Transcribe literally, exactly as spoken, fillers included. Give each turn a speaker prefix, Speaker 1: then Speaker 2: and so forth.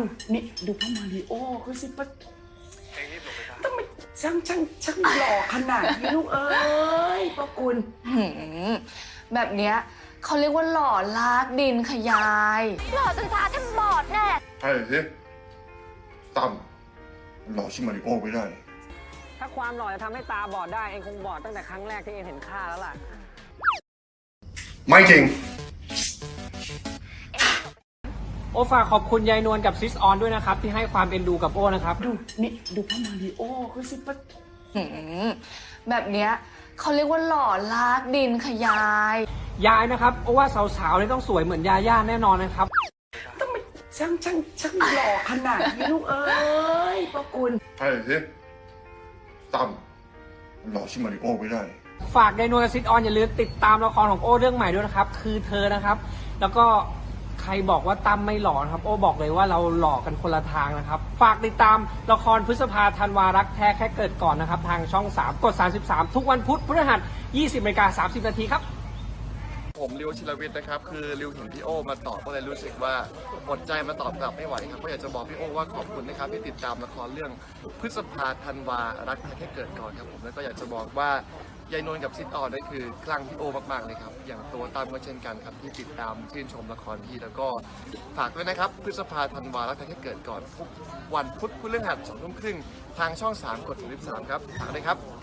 Speaker 1: นี่ดูพ่อมาริโอคือสิปะต้องมาช่างช่างช่างหล่อขนาดนี้ลูกเอ้ยพ่อคุณ
Speaker 2: แบบเนี้ยเขาเรียกว่าหล่อลากดินขยายหล่อจนตาแทบบอดแน่
Speaker 3: ใช่สิตั้มหล่อชิมาริโอไม่ได้
Speaker 4: ถ้าความหล่อจะทำให้ตาบอดได้เองคงบอดตั้งแต่ครั้งแรกที่เองเห็นข้าแล้วล่ะ
Speaker 3: ไม่จริง
Speaker 4: โอฝากขอบคุณยายนวลกับซิสออนด้วยนะครับที่ให้ความเอ็นดูกับโอนะครับ
Speaker 1: ดูนี่ดูพ่อมาริโอคือสิปะ
Speaker 2: แบบเนี้ยเขาเรียกว่าหล่อลากดินขยาย
Speaker 4: ยายนะครับโอว่าสาวๆเนี่ยต้องสวยเหมือนยาย่าแน่นอนนะครับ
Speaker 1: ต้องมาช่างช่างช่างหล่อขนาดนี้ลูกเอ้ยพ่อคุณ
Speaker 3: ใช่สิตั้มหล่อชิมาริโอไม่ได้
Speaker 4: ฝากยายนวลกับซิสออนอย่าลืมติดตามละครของโอเรื่องใหม่ด้วยนะครับคือเธอนะครับแล้วก็ใครบอกว่าตั้มไม่หล่อนะครับโอ้บอกเลยว่าเราหล่อกันคนละทางนะครับฝากติดตามละครพฤษภาธันวารักแท้แค่เกิดก่อนนะครับทางช่องสามกดสามสิบสามทุกวันพุธพฤหัสยี่สิบนาฬิกาสามสิบนาทีครับ
Speaker 5: ผมริวชิรวิทย์นะครับคือริวเห็นพี่โอมาตอบก็เลยรู้สึกว่าหมดใจมาตอบกลับไม่ไหวครับก็อยากจะบอกพี่โอว่าขอบคุณนะครับที่ติดตามละครเรื่องพฤษภาธันวารักแค่เกิดก่อนครับผมแล้วก็อยากจะบอกว่ายายนวลกับซิดออนนั่นคือคลั่งพี่โอมากๆเลยครับอย่างตัวตามก็เช่นกันครับที่ติดตามชื่นชมละครพี่แล้วก็ฝากด้วยนะครับพฤษภาธันวารักแค่เกิดก่อนทุกวันพุธพฤหัสสองทุ่มครึ่งทางช่องสามกดสามสิบสามครับฝากด้วยครับ